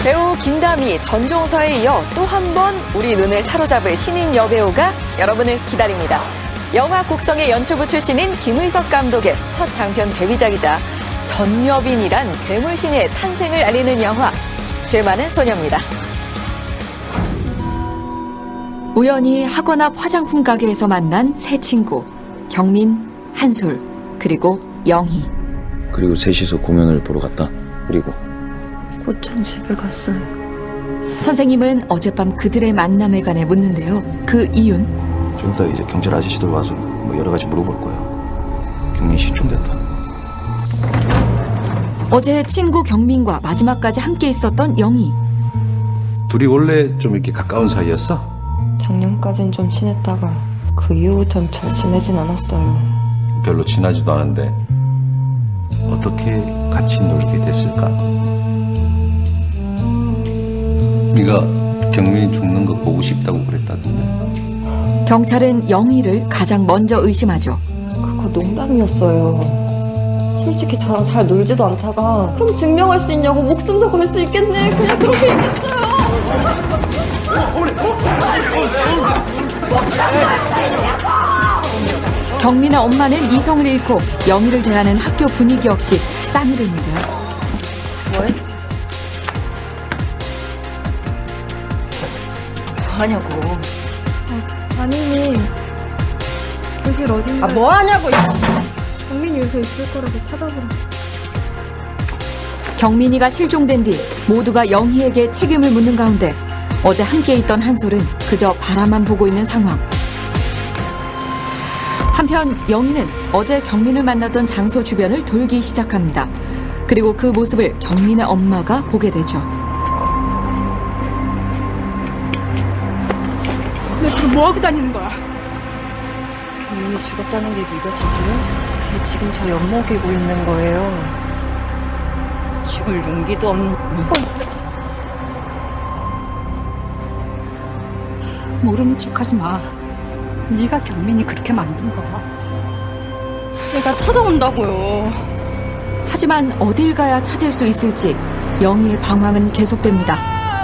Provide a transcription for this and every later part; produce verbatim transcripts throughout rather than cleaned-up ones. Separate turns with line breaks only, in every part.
배우 김다미, 전종서에 이어 또 한 번 우리 눈을 사로잡을 신인 여배우가 여러분을 기다립니다. 영화 곡성의 연출부 출신인 김의석 감독의 첫 장편 데뷔작이자 전여빈이란 괴물신의 탄생을 알리는 영화 죄 많은 소녀입니다. 우연히 학원 앞 화장품 가게에서 만난 세 친구 경민, 한솔, 그리고 영희.
그리고 셋이서 공연을 보러 갔다. 그리고
곧전 집에 갔어요.
선생님은 어젯밤 그들의 만남에 관해 묻는데요. 그 이유는?
좀 이따 이제 경찰 아저씨들 와서 뭐 여러 가지 물어볼 거야. 경민 씨 좀 됐다.
어제 친구 경민과 마지막까지 함께 있었던 영희.
둘이 원래 좀 이렇게 가까운 사이였어?
작년까진 좀 친했다가 그 이후부터는 잘 지내진 않았어요.
별로 친하지도 않은데 어떻게 같이 놀게 됐을까? 네가 경민이 죽는 거 보고 싶다고 그랬다던데.
경찰은 영희를 가장 먼저 의심하죠.
그거 농담이었어요. 솔직히 저랑 잘 놀지도 않다가 그럼 증명할 수 있냐고 목숨도 걸 수 있겠네. 그냥 그렇게 얘기했어요.
경민의 엄마는 이성을 잃고 영희를 대하는 학교 분위기 역시 싸늘했는데요.
뭐해? 뭐하냐고.
아, 아니니 교실 어딘가.
아 뭐하냐고.
경민이 요새 있을 거라고 찾아보라.
경민이가 실종된 뒤 모두가 영희에게 책임을 묻는 가운데 어제 함께 있던 한솔은 그저 바라만 보고 있는 상황. 한편 영희는 어제 경민을 만났던 장소 주변을 돌기 시작합니다. 그리고 그 모습을 경민의 엄마가 보게 되죠.
너 지금 뭐하고 다니는 거야?
경민이 죽었다는 게 믿어지세요? 걔 지금 저 엿먹이고 있는 거예요. 죽을 용기도 없는.
모르는 척하지 마. 네가 경민이 그렇게 만든 거야. 내가 찾아온다고요.
하지만 어딜 가야 찾을 수 있을지 영희의 방황은 계속됩니다.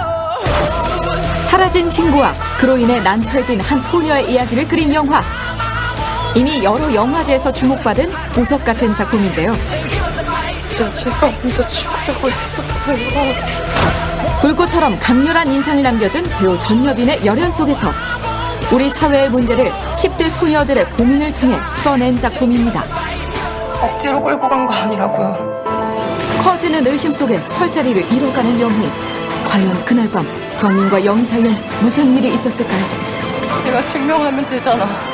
사라진 친구와 그로 인해 난처해진 한 소녀의 이야기를 그린 영화. 이미 여러 영화제에서 주목받은 보석 같은 작품인데요.
진짜 제가 혼자 죽으려고 했었어요.
불꽃처럼 강렬한 인상을 남겨준 배우 전여빈의 열연 속에서 우리 사회의 문제를 십 대 소녀들의 고민을 통해 풀어낸 작품입니다.
억지로 끌고 간 거 아니라고요.
커지는 의심 속에 설 자리를 잃어가는 영희. 과연 그날 밤 경민과 영희 사이엔 무슨 일이 있었을까요?
내가 증명하면 되잖아.